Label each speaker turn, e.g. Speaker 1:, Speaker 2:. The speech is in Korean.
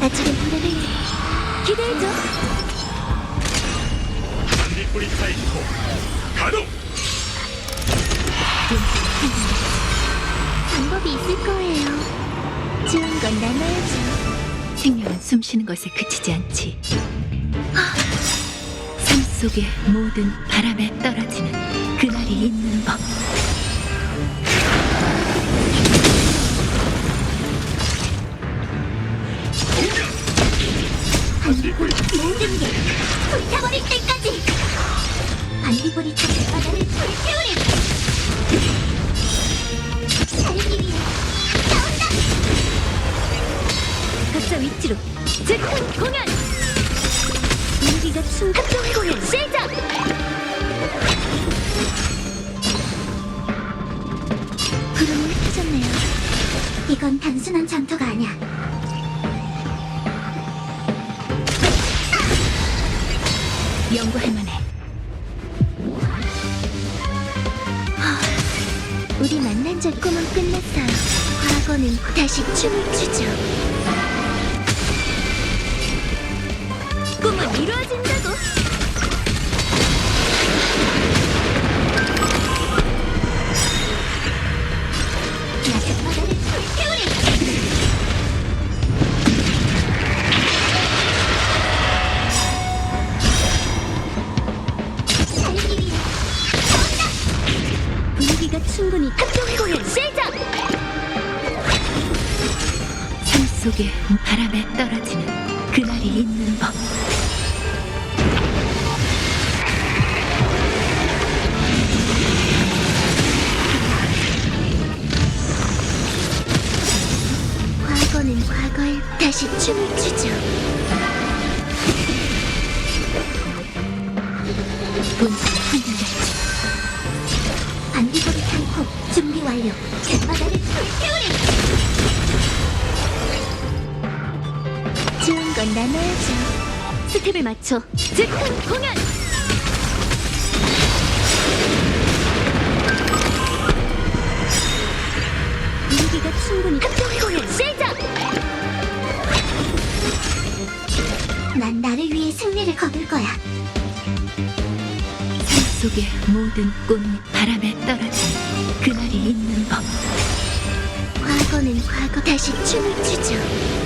Speaker 1: 아직은 노래를 기대해줘.
Speaker 2: 반딧불이 타이코 가동!
Speaker 1: 방법이 있을 거예요. 좋은 건 나눠야죠.
Speaker 3: 생명은 숨쉬는 것에 그치지 않지. 삶 속의 모든 바람에 떨어지는 그날이 있는 법.
Speaker 2: 반딧불이
Speaker 1: 모든 게 불타버릴 때까지. 반딧불이 타는 바다를 불태우리. 살기 위해 싸운다. 각자 위치로 즉흥 공연. 분위기가 합동 공연 시작. 구름이 흩어졌네요. 이건 단순한 전투가 아니야.
Speaker 3: 연구할 만해.
Speaker 1: 우리 만난 적 꿈은 끝났어요. 과거는 다시 춤을 추죠. 꿈은 이루어진다고. 낮은 바다를 불태우리. 살기 위해 싸운다. 분위기가 충분히 합동 공연 시작.
Speaker 3: 삶 속의 바람에 떨어지는 그날이 있는 법.
Speaker 1: 과거는 과거에 다시 춤을 추죠.
Speaker 3: 본성이 흔들렸지.
Speaker 1: 반딧불이 타이코 준비 완료. 갯바다를 불태우리. 좋은 건 나눠야죠. 스텝을 맞춰 즉흥 공연. 분위기가 충분히 합동 공연 시작. 난 나를 위해 승리를 거둘 거야.
Speaker 3: 삶 속의 모든 꿈이 바람에 떨어지는 그날이 있는 법.
Speaker 1: 과거는 과거 다시 춤을 추죠.